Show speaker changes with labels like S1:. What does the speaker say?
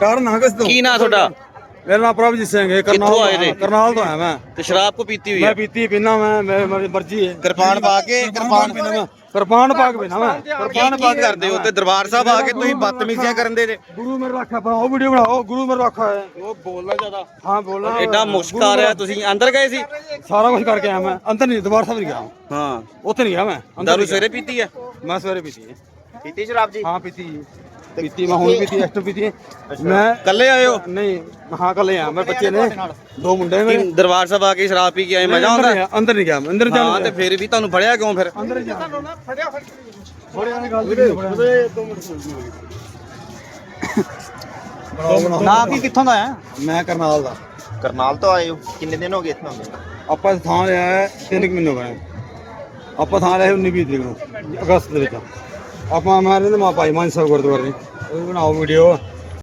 S1: ਡਰਨਾ ਕਿਸ ਤੋਂ?
S2: ਕੀ ਨਾਂ ਤੁਹਾਡਾ?
S1: ਮੇਰਾ ਨਾਮ ਪ੍ਰਭਜੀਤ ਸਿੰਘ ਹੈ।
S2: ਕਿੱਥੋਂ ਆਏ ਨੇ?
S1: ਕਰਨਾਲ ਤੋਂ ਆਇਆ ਮੈਂ।
S2: ਤੇ ਸ਼ਰਾਬ ਕੋ ਪੀਤੀ ਹੋਈ
S1: ਮੈਂ
S2: ਹੈ?
S1: ਪੀਤੀ ਪੀਣਾ ਮੈਂ ਮੇਰੀ ਮਰਜ਼ੀ ਹੈ।
S3: ਕਿਰਪਾਨ ਪਾ ਕੇ
S1: ਪੀਣਾ ਮੈਂ ਕਿਰਪਾਨ ਪਾ ਕੇ ਪੀਣਾ ਮੈਂ ਕਿਰਪਾਨ ਪਾ
S2: ਕੀ ਕਰਦੇ ਹੋ ਤੇ ਦਰਬਾਰ ਸਾਹਿਬ ਆ ਕੇ ਤੁਸੀਂ ਬਦਤਮੀਜ਼ੀਆਂ ਕਰਨ ਦੇ ਜੇ?
S1: ਗੁਰੂ ਮੇਰਾ ਰੱਖਾ ਬਣਾਓ ਵੀਡੀਓ ਬਣਾਓ ਗੁਰੂ ਮੇਰਾ ਰੱਖਾ ਹੈ।
S2: ਉਹ ਬੋਲਣਾ ਜ਼ਿਆਦਾ।
S1: ਹਾਂ ਬੋਲਣਾ
S2: ਐਡਾ ਮੁਸ਼ਕ ਆ ਰਿਹਾ। ਤੁਸੀਂ ਅੰਦਰ ਗਏ ਸੀ?
S1: ਸਾਰਾ ਕੁਝ ਕਰਕੇ ਆਇਆ ਮੈਂ। ਅੰਦਰ ਨਹੀਂ ਦਰਬਾਰ ਸਾਹਿਬ ਨਹੀਂ ਗਿਆ।
S2: ਹਾਂ।
S1: ਉੱਥੇ ਨਹੀਂ ਗਿਆ ਮੈਂ।
S2: ਦਾਰੂ ਸਵੇਰੇ ਪੀਤੀ ਹੈ?
S1: ਮੈਂ ਸਵੇਰੇ ਪੀਤੀ ਹੈ।
S3: ਪੀਤੀ ਸ਼ਰਾਬ ਜੀ?
S1: ਹਾਂ ਪੀਤੀ ਮੈਂ ਹੁਣ ਪੀਤੀ ਐਕਸਟਰਾ ਪੀਤੀ ਮੈਂ।
S2: ਕੱਲੇ ਆਏ ਹੋ?
S1: ਨਹੀਂ ਹਾਂ ਕੱਲੇ ਆ। ਮੇਰੇ ਬੱਚੇ ਨੇ 2 ਮੁੰਡੇ ਮੇਰੇ।
S2: ਦਰਬਾਰ ਸਾਹਿਬ ਆ ਕੇ ਸ਼ਰਾਬ ਪੀ ਕੇ ਆਏ ਮਜ਼ਾ ਆਉਂਦਾ?
S1: ਅੰਦਰ ਨਹੀਂ ਗਿਆ ਮੈਂ। ਅੰਦਰ
S2: ਹਾਂ ਤੇ ਫਿਰ ਵੀ ਤੁਹਾਨੂੰ ਫੜਿਆ ਕਿਉਂ ਫਿਰ?
S1: ਅੰਦਰ ਹੀ ਜਾਣਾ ਫੜਿਆ ਵਾਲੀ ਗੱਲ ਵੀਰੇ 2 ਮਿੰਟ
S3: ਨਾ ਕੀ ਕਿੱਥੋਂ ਦਾ ਹੈ?
S1: ਮੈਂ ਕਰਨਾਲ ਦਾ।
S3: ਕਰਨਾਲ ਤੋਂ ਆਏ ਹੋ? ਕਿੰਨੇ ਦਿਨ ਹੋ ਗਏ ਇੱਥੇ ਹੁੰਦੇ?
S1: ਆਪਾਂ ਥਾਂ ਲਿਆ ਹੈ 3 ਮਹੀਨੇ ਹੋ ਗਏ। ਆਪਾਂ ਥਾਂ ਲਿਆ 19-20 ਤਰੀਕ ਨੂੰ ਅਗਸਤ ਦੇ ਵਿੱਚ। ਆਪਾਂ ਮਾਰੇ ਨੇ ਮਾ ਭਾਈ ਮਾਨ ਸਾਹਿਬ ਗੁਰਦੁਆਰੇ ਉਹ ਬਣਾਓ ਵੀਡੀਓ।